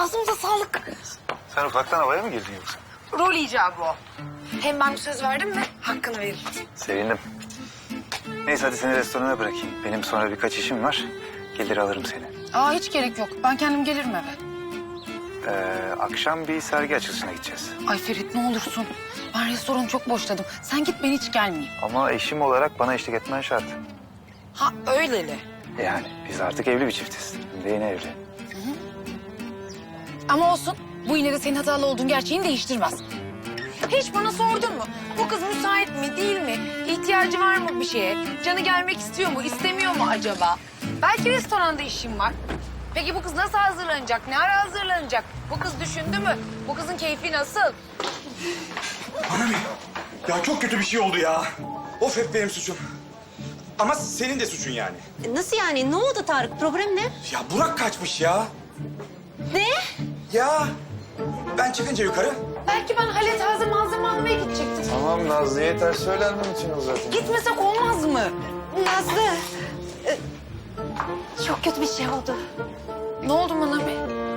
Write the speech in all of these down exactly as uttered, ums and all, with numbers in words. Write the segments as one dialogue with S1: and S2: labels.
S1: Ağzımıza sağlık.
S2: Sen ufaktan havaya mı girdin yoksa?
S1: Rol icabı o. Hem ben bir söz verdim mi hakkını veririm.
S2: Sevindim. Neyse hadi seni restorana bırakayım. Benim sonra birkaç işim var. Gelir alırım seni.
S1: Aa hiç gerek yok. Ben kendim gelirim eve.
S2: Ee, akşam bir sergi açılışına gideceğiz.
S1: Ay Ferit ne olursun. Ben restoranı çok boşladım. Sen git, ben hiç gelmeyeyim.
S2: Ama eşim olarak bana eşlik etmen şart.
S1: Ha öyleli.
S2: Yani biz artık evli bir çiftiz. Hem de yeni evli.
S1: Ama olsun. Bu yine de senin hatalı olduğun gerçeğini değiştirmez. Hiç bana sordun mu? Bu kız müsait mi, değil mi? İhtiyacı var mı bir şeye? Canı gelmek istiyor mu, istemiyor mu acaba? Belki restoranda işim var. Peki bu kız nasıl hazırlanacak, ne ara hazırlanacak? Bu kız düşündü mü? Bu kızın keyfi nasıl?
S3: Mami, ya çok kötü bir şey oldu ya. Of, hep benim suçum. Ama senin de suçun yani.
S4: Nasıl yani? Ne oldu Tarık? Problem ne?
S3: Ya Burak kaçmış ya.
S4: Ne?
S3: Ya ben çıkınca yukarı.
S1: Belki ben Halet hazır malzeme almaya gidecektim.
S2: Tamam Nazlı'ya ters söylenmem için o zaten.
S1: Gitmesek olmaz mı?
S4: Nazlı. e, Çok kötü bir şey oldu.
S1: Ne oldu Manami?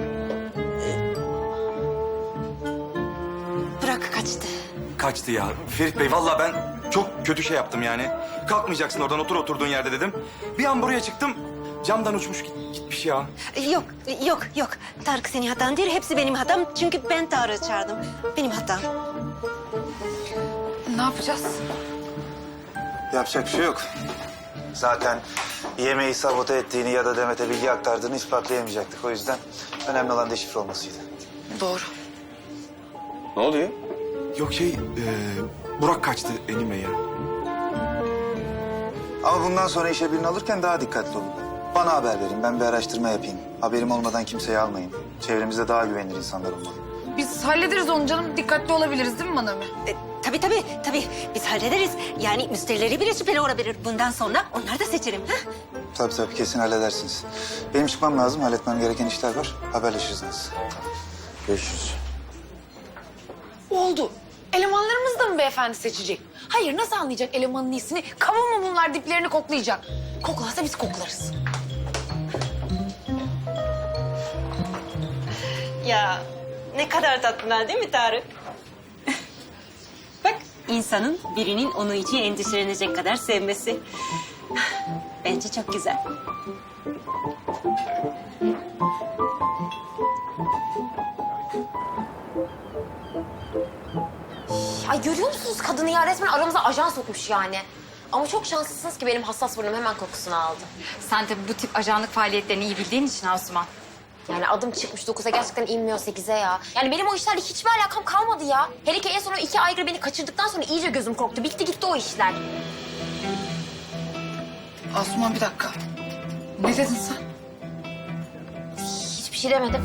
S4: Burak kaçtı.
S3: Kaçtı ya. Ferit Bey, vallahi ben çok kötü şey yaptım yani. Kalkmayacaksın oradan, otur oturduğun yerde dedim. Bir an buraya çıktım. Camdan uçmuş git- gitmiş ya.
S4: Yok, yok, yok. Tarık senin hatan değil. Hepsi benim hatam. Çünkü ben Tarık'ı çağırdım. Benim hatam.
S1: Ne yapacağız?
S2: Yapacak bir şey yok. Zaten yemeği sabote ettiğini ya da Demet'e bilgi aktardığını ispatlayamayacaktık. O yüzden önemli olan deşifre olmasıydı.
S1: Doğru.
S2: Ne oluyor?
S3: Yok şey, e, Burak kaçtı Enim Bey ya.
S2: Ama bundan sonra işe birini alırken daha dikkatli olun. Bana haber verin, ben bir araştırma yapayım. Haberim olmadan kimseyi almayın. Çevremizde daha güvenilir insanlar olmalı.
S1: Biz hallederiz onu canım. Dikkatli olabiliriz değil mi Manami?
S4: E, tabii tabii, tabii. Biz hallederiz. Yani müşterileri bile şüpheli olabilir. Bundan sonra onları da seçerim. Ha?
S2: Tabii tabii, kesin halledersiniz. Benim çıkmam lazım, halletmem gereken işler var. Haberleşiriz nasıl. Görüşürüz.
S1: Oldu. Elemanlarımız da mı beyefendi seçecek? Hayır, nasıl anlayacak elemanın iyisini? Kaba mı bunlar, diplerini koklayacak? Koklarsa biz koklarız.
S4: Ya ne kadar tatlılar değil mi Tarık? Bak, insanın birinin onu için endişelenecek kadar sevmesi. Bence çok güzel.
S5: Ay görüyor musunuz kadını ya? Resmen aramıza ajan sokmuş yani. Ama çok şanslısınız ki benim hassas burnum hemen kokusunu aldı.
S6: Sen tabii bu tip ajanlık faaliyetlerini iyi bildiğin için Asuman.
S5: Yani adım çıkmış dokuza, gerçekten inmiyor sekize ya. Yani benim o işlerle hiçbir alakam kalmadı ya. Hele ki en son o iki aygır beni kaçırdıktan sonra iyice gözüm korktu. Bitti gitti o işler.
S1: Asuman bir dakika. Ne dedin sen?
S5: Hiçbir şey demedim.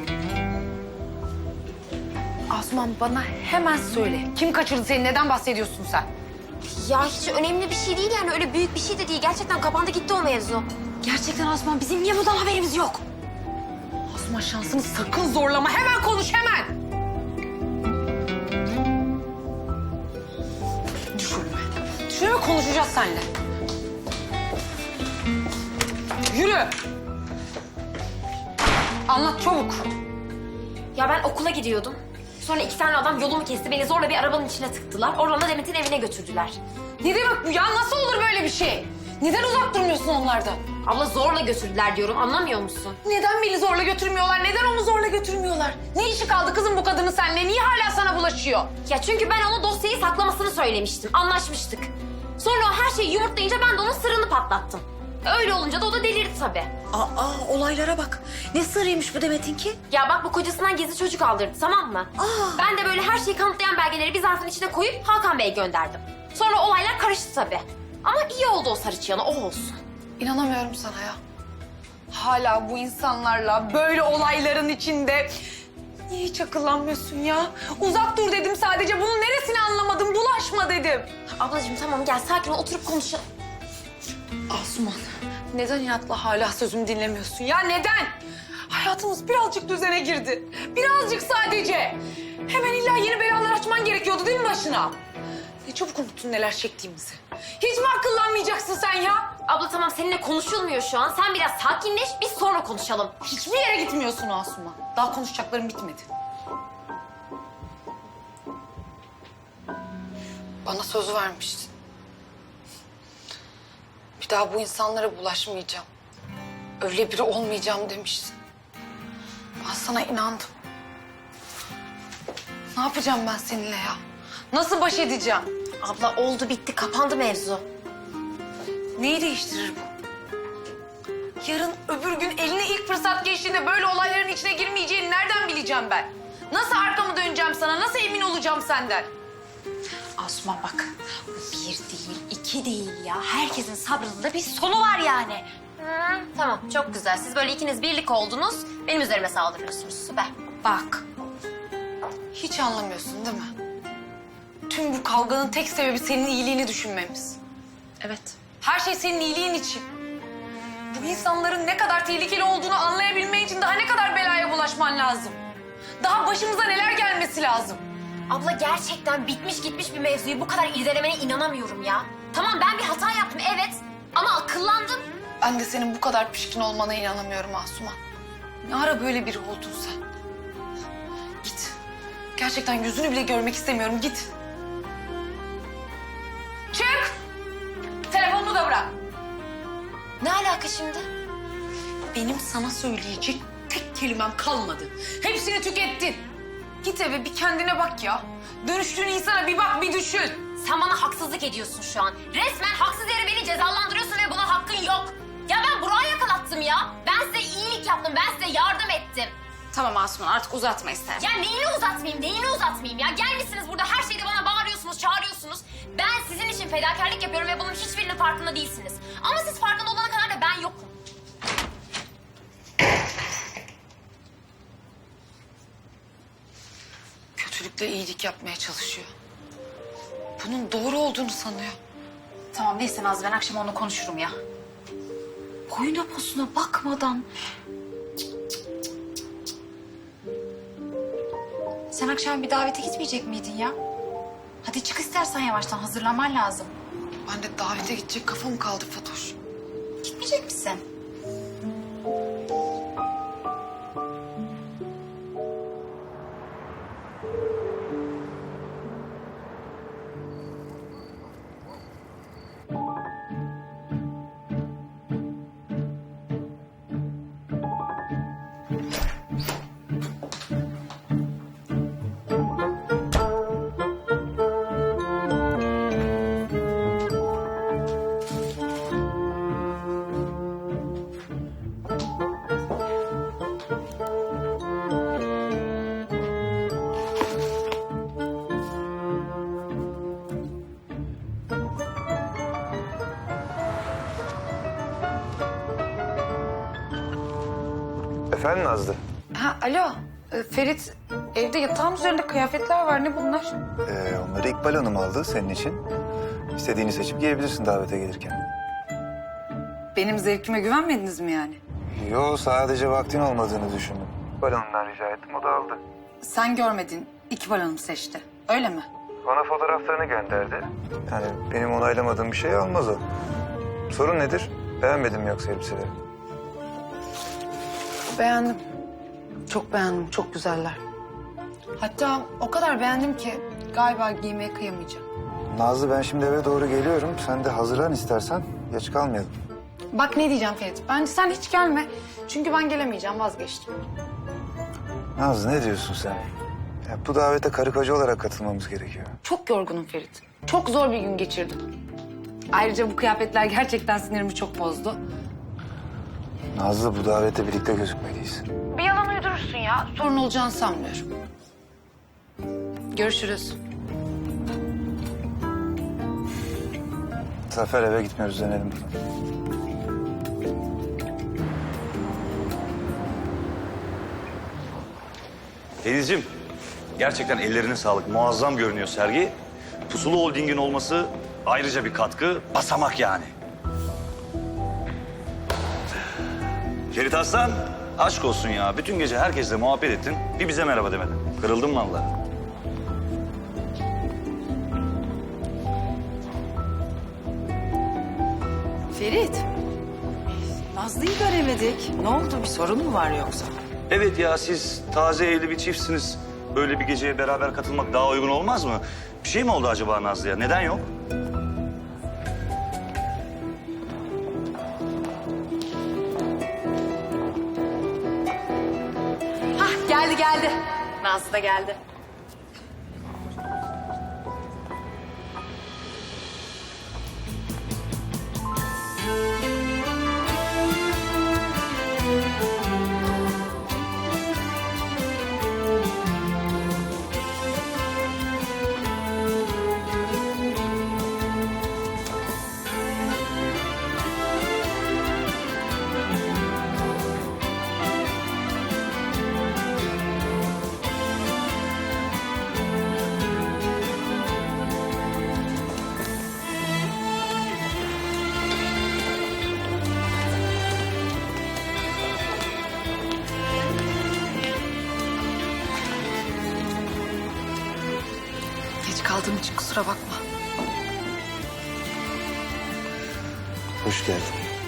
S1: Asuman bana hemen söyle. Kim kaçırdı seni? Neden bahsediyorsun sen?
S5: Ya hiç önemli bir şey değil yani, öyle büyük bir şey de değil. Gerçekten kapandı gitti o mevzu.
S1: Gerçekten Asuman, bizim niye bundan haberimiz yok? Asuman şansını sakın zorlama. Hemen konuş, hemen. Düşürme. Düşürme, konuşacağız seninle. Yürü. Anlat çabuk.
S5: Ya ben okula gidiyordum. Sonra iki tane adam yolumu kesti. Beni zorla bir arabanın içine tıktılar. Oradan da Demet'in evine götürdüler.
S1: Ne demek bu ya? Nasıl olur böyle bir şey? Neden uzak durmuyorsun onlardan?
S5: Abla zorla götürdüler diyorum, anlamıyor musun?
S1: Neden beni zorla götürmüyorlar? Neden onu zorla götürmüyorlar? Ne işi kaldı kızım bu kadının seninle? Niye hala sana bulaşıyor?
S5: Ya çünkü ben ona dosyayı saklamasını söylemiştim. Anlaşmıştık. Sonra o her şeyi yumurtlayınca ben de onun sırrını patlattım. Öyle olunca da o da delirdi tabii.
S4: Aa, olaylara bak. Ne sırrıymış bu Demet'inki?
S5: Ya bak, bu kocasından gizli çocuk aldırdı, tamam mı?
S4: Aa.
S5: Ben de böyle her şeyi kanıtlayan belgeleri bir zarfın içine koyup Hakan Bey'e gönderdim. Sonra olaylar karıştı tabii. Ama iyi oldu o sarı çıyanı, o olsun.
S1: İnanamıyorum sana ya. Hala bu insanlarla böyle olayların içinde... Niye hiç akıllanmıyorsun ya? Uzak dur dedim sadece. Bunun neresini anlamadım? Bulaşma dedim.
S5: Ablacığım tamam, gel sakin ol, oturup konuşalım.
S1: Asuman, neden inatla hala sözümü dinlemiyorsun ya? Neden? Hayatımız birazcık düzene girdi. Birazcık sadece. Hemen illa yeni belalar açman gerekiyordu değil mi başına? Ne çabuk unuttun neler çektiğimizi. Hiç mi akıllanmayacaksın sen ya?
S5: Abla tamam seninle konuşulmuyor şu an. Sen biraz sakinleş biz sonra konuşalım.
S1: Hiçbir yere gitmiyorsun Asuman. Daha konuşacaklarım bitmedi. Bana söz vermiştin. Bir daha bu insanlara bulaşmayacağım. Öyle biri olmayacağım demiştin. Ben sana inandım. Ne yapacağım ben seninle ya? Nasıl baş edeceğim?
S5: Abla oldu bitti kapandı mevzu.
S1: Neyi değiştirir bu? Yarın öbür gün eline ilk fırsat geçtiğinde böyle olayların içine girmeyeceğini nereden bileceğim ben? Nasıl arkamı döneceğim sana? Nasıl emin olacağım senden?
S6: Asuman bak, bu bir değil, iki değil ya. Herkesin sabrının da bir sonu var yani.
S5: Hı, tamam çok güzel. Siz böyle ikiniz birlik oldunuz. Benim üzerime saldırıyorsunuz. Süper.
S1: Bak, hiç anlamıyorsun değil mi? Tüm bu kavganın tek sebebi senin iyiliğini düşünmemiz.
S6: Evet.
S1: Her şey senin iyiliğin için. Bu insanların ne kadar tehlikeli olduğunu anlayabilmen için daha ne kadar belaya bulaşman lazım. Daha başımıza neler gelmesi lazım.
S5: Abla gerçekten bitmiş gitmiş bir mevzuyu bu kadar irdelemene inanamıyorum ya. Tamam ben bir hata yaptım evet ama akıllandım.
S1: Ben de senin bu kadar pişkin olmana inanamıyorum Asuman. Ne ara böyle biri oldun sen? Git. Gerçekten yüzünü bile görmek istemiyorum. Git. Çık! Telefonumu da bırak.
S5: Ne alaka şimdi?
S1: Benim sana söyleyecek tek kelimem kalmadı. Hepsini tükettin. Git eve bir kendine bak ya. Dönüştüğün insana bir bak, bir düşün.
S5: Sen bana haksızlık ediyorsun şu an. Resmen haksız yere beni cezalandırıyorsun ve buna hakkın yok. Ya ben Burak'ı yakalattım ya. Ben size iyilik yaptım, ben size yardım ettim.
S6: Tamam Asuman, artık uzatma istersen.
S5: Ya neyini uzatmayayım, neyini uzatmayayım ya? Gelmişsiniz burada her şeyde bana bağırıyorsunuz, çağırıyorsunuz. Ben sizin için fedakarlık yapıyorum ve bunun hiçbirinin farkında değilsiniz. Ama siz farkında olana kadar da ben yokum.
S1: Kötülükle iyilik yapmaya çalışıyor. Bunun doğru olduğunu sanıyor.
S6: Tamam neyse Naz, ben akşam onunla konuşurum ya. Boyuna posuna bakmadan. Sen akşam bir davete gitmeyecek miydin ya? Hadi çık istersen yavaştan, hazırlanman lazım.
S1: Ben de davete gidecek kafam kaldı Fatoş.
S6: Gitmeyecek misin?
S2: Efendim Nazlı?
S1: Ha, alo. Ee, Ferit, evde yatağın üzerinde kıyafetler var. Ne bunlar?
S2: Ee, onları İkbal Hanım aldı senin için. İstediğini seçip giyebilirsin davete gelirken.
S1: Benim zevkime güvenmediniz mi yani?
S2: Yo, sadece vaktin olmadığını düşündüm. İkbal Hanım'dan rica ettim, o da aldı.
S1: Sen görmedin, İkbal Hanım seçti. Öyle mi?
S2: Bana fotoğraflarını gönderdi. Yani benim onaylamadığım bir şey olmaz o. Sorun nedir? Beğenmedin mi yoksa elbiseleri?
S1: Beğendim. Çok beğendim, çok güzeller. Hatta o kadar beğendim ki galiba giymeye kıyamayacağım.
S2: Nazlı, ben şimdi eve doğru geliyorum. Sen de hazırlan istersen. Geç kalmayalım.
S1: Bak ne diyeceğim Ferit, bence sen hiç gelme. Çünkü ben gelemeyeceğim, vazgeçtim.
S2: Nazlı, ne diyorsun sen? Ya, bu davete karı koca olarak katılmamız gerekiyor.
S1: Çok yorgunum Ferit. Çok zor bir gün geçirdim. Ayrıca bu kıyafetler gerçekten sinirimi çok bozdu.
S2: Nazlı, bu davete birlikte gözükmeliyiz.
S1: Bir yalan uydurursun ya. Sorun olacağını sanmıyorum. Görüşürüz.
S2: Zafer, eve gitmiyoruz, dönelim buradan.
S7: Denizciğim, gerçekten ellerine sağlık. Muazzam görünüyor sergi. Pusulu Holding'in olması ayrıca bir katkı, basamak yani. Ferit Aslan, aşk olsun ya. Bütün gece herkesle muhabbet ettin. Bir bize merhaba demedin. Kırıldım vallahi.
S1: Ferit.
S8: Ferit. Nazlı'yı göremedik. Ne oldu? Bir sorun mu var yoksa?
S7: Evet ya, siz taze evli bir çiftsiniz. Böyle bir geceye beraber katılmak daha uygun olmaz mı? Bir şey mi oldu acaba Nazlı'ya? Neden yok?
S1: Hah geldi geldi. Nazlı da geldi. Geç kaldığım için kusura bakma.
S2: Hoş geldin.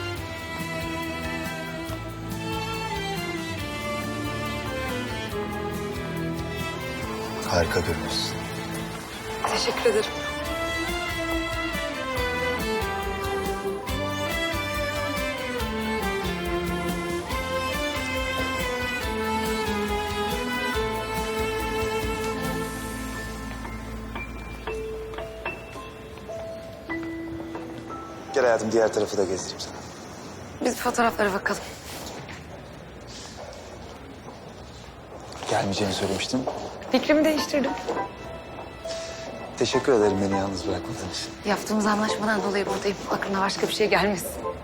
S2: Harika görünüyorsun.
S1: Teşekkür ederim.
S2: Gel hayatım, diğer tarafı da gezdireyim sana.
S1: Biz fotoğraflara bakalım.
S2: Gelmeyeceğini söylemiştim.
S1: Fikrimi değiştirdim.
S2: Teşekkür ederim beni yalnız bırakmadığın için.
S1: Yaptığımız anlaşmadan dolayı buradayım. Aklına başka bir şey gelmesin.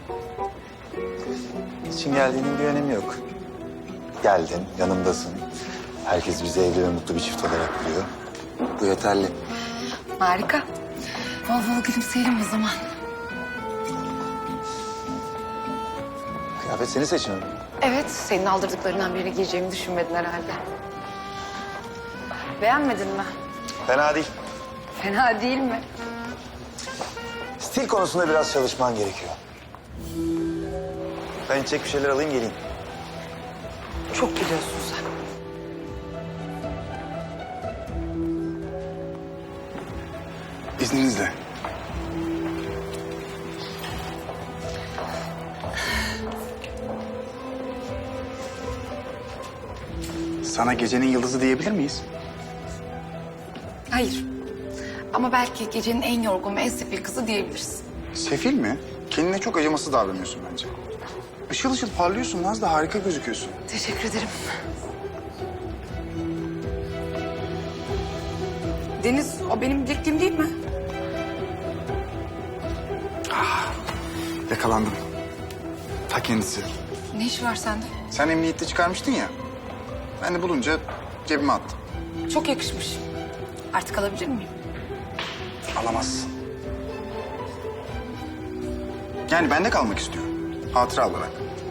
S2: İçin geldiğinin bir önemi yok. Geldin, yanımdasın. Herkes bizi evli ve mutlu bir çift olarak biliyor. Bu yeterli.
S1: Harika. Bol bol gülümseyelim o zaman.
S2: Kıyafet seni seçmem.
S1: Evet, senin aldırdıklarından birini giyeceğimi düşünmedin herhalde. Beğenmedin mi?
S2: Fena değil.
S1: Fena değil mi?
S2: Stil konusunda biraz çalışman gerekiyor. Ben içecek bir şeyler alayım geleyim.
S1: Çok biliyorsun sen.
S9: İzninizle. Sana gecenin yıldızı diyebilir miyiz?
S1: Hayır. Ama belki gecenin en yorgun ve en sefil kızı diyebiliriz.
S9: Sefil mi? Kendine çok acımasız davranıyorsun bence. Işıl ışıl parlıyorsun Nazlı, harika gözüküyorsun.
S1: Teşekkür ederim. Deniz, o benim bilekliğim değil mi?
S9: Yakalandım. Ta kendisi.
S1: Ne işi var sende?
S9: Sen emniyette çıkarmıştın ya. Ben de bulunca cebime attım.
S1: Çok yakışmış. Artık alabilir miyim?
S9: Alamazsın. Yani bende kalmak istiyorum. Hatıra olarak.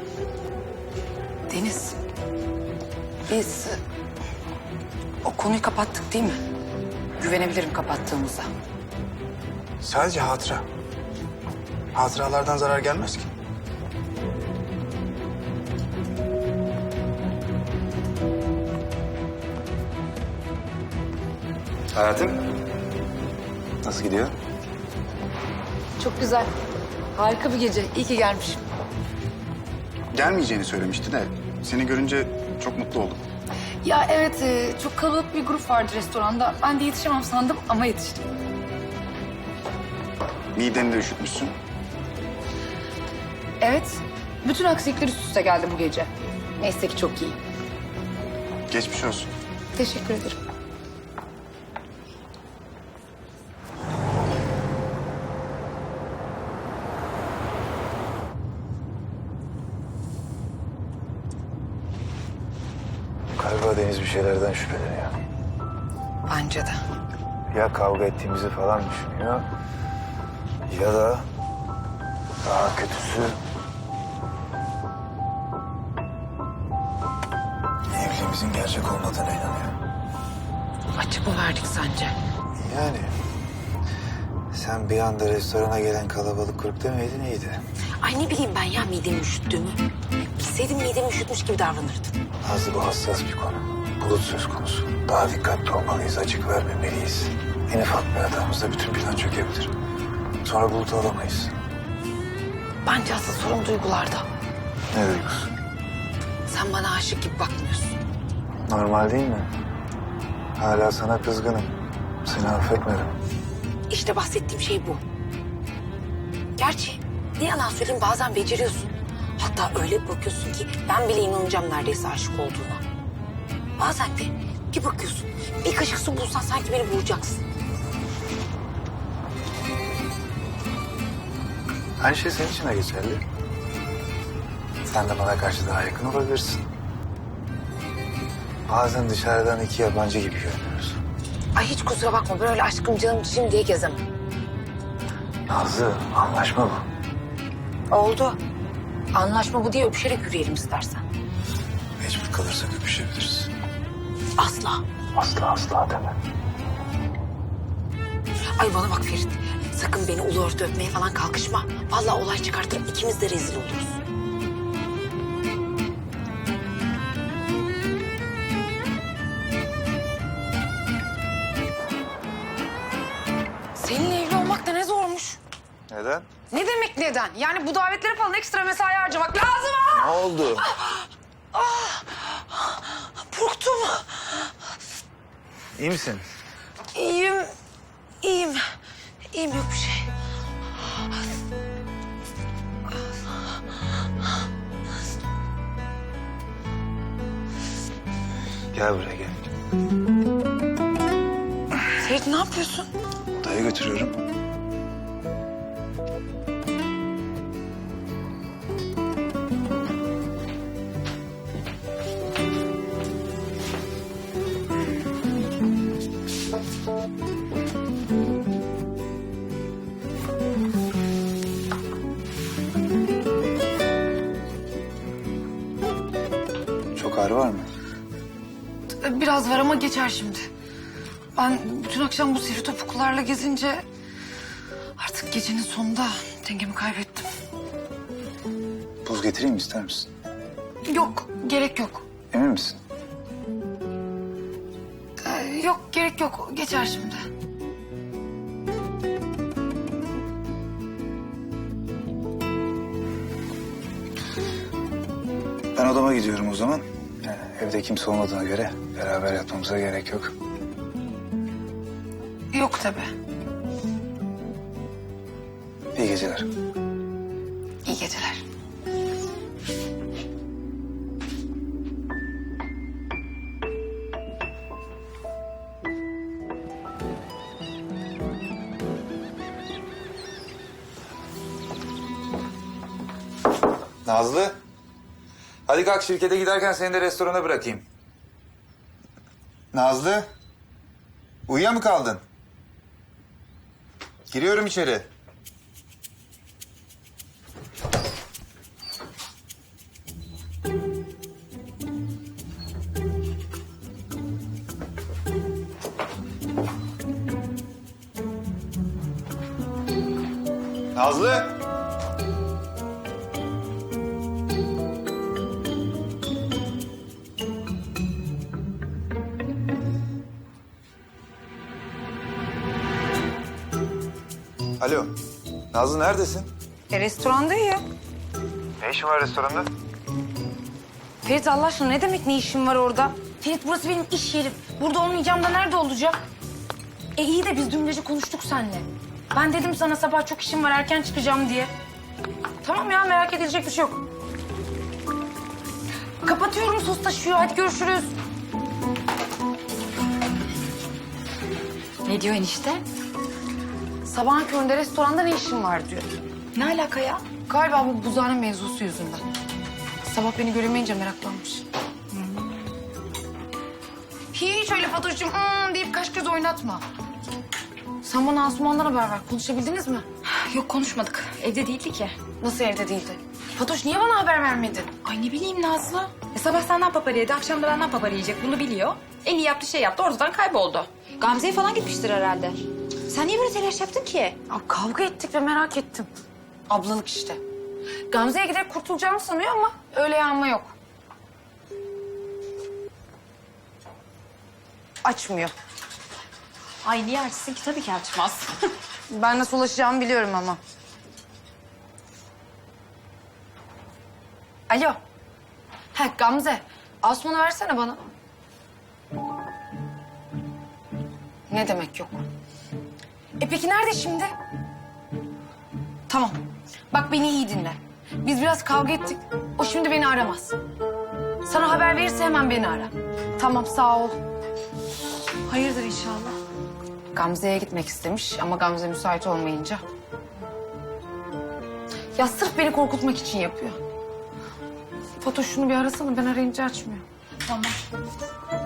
S1: Deniz, biz o konuyu kapattık değil mi? Güvenebilirim kapattığımıza.
S9: Sadece hatıra. Hatıralardan zarar gelmez ki.
S2: Hayatım, nasıl gidiyor?
S1: Çok güzel. Harika bir gece. İyi ki gelmişim.
S9: Gelmeyeceğini söylemişti de seni görünce çok mutlu oldum.
S1: Ya evet, e, çok kalabalık bir grup vardı restoranda. Ben de yetişemem sandım ama yetiştim.
S9: Mideni de üşütmüşsün.
S1: Evet, bütün aksilikler üst üste geldi bu gece. Neyse ki çok iyi.
S9: Geçmiş olsun.
S1: Teşekkür ederim.
S2: Galiba Deniz bir şeylerden şüpheleniyor.
S1: Bence de.
S2: Ya kavga ettiğimizi falan düşünüyor. Ya da daha kötüsü... evliliğimizin gerçek olmadığına inanıyor.
S1: Açık mı verdik sence?
S2: Yani sen bir anda restorana gelen kalabalık grup demeydin iyiydi.
S1: Ay ne bileyim ben ya midemi üşüttüğümü. Bilseydim midemi üşütmüş gibi davranırdım.
S2: Nazlı bu hassas bir konu. Bulut söz konusu. Daha dikkatli olmalıyız, açık vermemeliyiz. En ufak bir hatamızda bütün plan çökebilir. Sonra Bulut'u alamayız.
S1: Bence asıl sorun duygularda.
S2: Ne duygusu?
S1: Sen bana aşık gibi bakmıyorsun.
S2: Normal değil mi? Hala sana kızgınım. Seni affetmedim.
S1: İşte bahsettiğim şey bu. Gerçi ne yalan söyleyeyim bazen beceriyorsun. Hatta öyle bir bakıyorsun ki ben bile inanacağım neredeyse aşık olduğuna. Bazen de bir bakıyorsun bir kaşık su bulsan sanki beni vuracaksın.
S2: Aynı şey senin için de geçerli. Sen de bana karşı daha yakın olabilirsin. Bazen dışarıdan iki yabancı gibi görünüyoruz.
S1: Ay hiç kusura bakma ben öyle aşkım canım cicim diye gezemem.
S2: Nazlı, anlaşma bu.
S1: Oldu. Anlaşma bu diye öpüşerek yürüyelim istersen.
S2: Mecbur kalırsak öpüşebiliriz.
S1: Asla.
S2: Asla asla deme.
S1: Ay bana bak Ferit. Sakın beni ulu orta öpmeye falan kalkışma. Vallahi olay çıkartır ikimiz de rezil oluruz. Seninle evli olmak da ne zormuş.
S2: Neden?
S1: Ne demek neden? Yani bu davetlere falan ekstra mesai harcamak lazım ha.
S2: Ne oldu?
S1: Burktum.
S2: İyi misin?
S1: İyiyim. İyiyim. İyiyim yok bir şey.
S2: Gel buraya gel.
S1: Ferit ne yapıyorsun?
S2: Odaya götürüyorum. Çok ağrı var mı?
S1: Biraz var ama geçer şimdi. Ben bütün akşam bu sivri topuklularla gezince artık gecenin sonunda dengemi kaybettim.
S2: Buz getireyim mi, ister misin?
S1: Yok, gerek yok.
S2: Emin misin?
S1: Ee, yok, gerek yok. Geçer şimdi.
S2: Ben odama gidiyorum o zaman. Yani evde kimse olmadığına göre beraber yatmamıza gerek yok.
S1: Yok tabii.
S2: İyi geceler.
S1: İyi geceler.
S2: Nazlı. Hadi kalk, şirkete giderken seni de restorana bırakayım. Nazlı. Uyuya mı kaldın? Giriyorum içeri. Nazlı. Alo. Nazlı neredesin?
S1: E, restorandayım.
S2: Ne işin var restoranda?
S1: Ferit Allah aşkına ne demek ne işin var orada? Ferit burası benim iş yerim. Burada olmayacağım da nerede olacak? E iyi de biz dün gece konuştuk seninle. Ben dedim sana sabah çok işim var erken çıkacağım diye. Tamam ya merak edilecek bir şey yok. Kapatıyorum sos taşıyor hadi görüşürüz.
S6: Ne diyor enişte?
S1: Sabahın köründe restoranda ne işin var diyor.
S6: Ne alaka ya?
S1: Galiba bu buzhane mevzusu yüzünden. Sabah beni göremeyince meraklanmış. Hiç öyle Fatoş'cum hmm deyip kaş göz oynatma. Sen bana Asuman'dan haber ver. Konuşabildiniz mi?
S6: Yok konuşmadık. Evde değildi ki.
S1: Nasıl evde değildi? Fatoş niye bana haber vermedin?
S6: Ay ne bileyim Nazlı. E, sabah senden papara yedi, akşam da benden papara yiyecek. Bunu biliyor. En iyi yaptığı şey yaptı, ortadan kayboldu. Gamze'ye falan gitmiştir herhalde. Sen niye böyle telaş yaptın ki?
S1: Ya, kavga ettik ve merak ettim. Ablalık işte. Gamze'ye giderek kurtulacağımı sanıyor ama öyle yanma yok. Açmıyor.
S6: Ay niye açsın ki? Tabii ki açmaz.
S1: Ben nasıl ulaşacağımı biliyorum ama. Alo. Ha Gamze. Osman'ı versene bana. Ne demek yok? E peki nerede şimdi? Tamam. Bak beni iyi dinle. Biz biraz kavga ettik. O şimdi beni aramaz. Sana haber verirse hemen beni ara. Tamam sağ ol.
S6: Hayırdır inşallah.
S1: Gamze'ye gitmek istemiş ama Gamze müsait olmayınca. Ya sırf beni korkutmak için yapıyor. Fatoş şunu bir arasana, ben arayınca açmıyor.
S6: Tamam.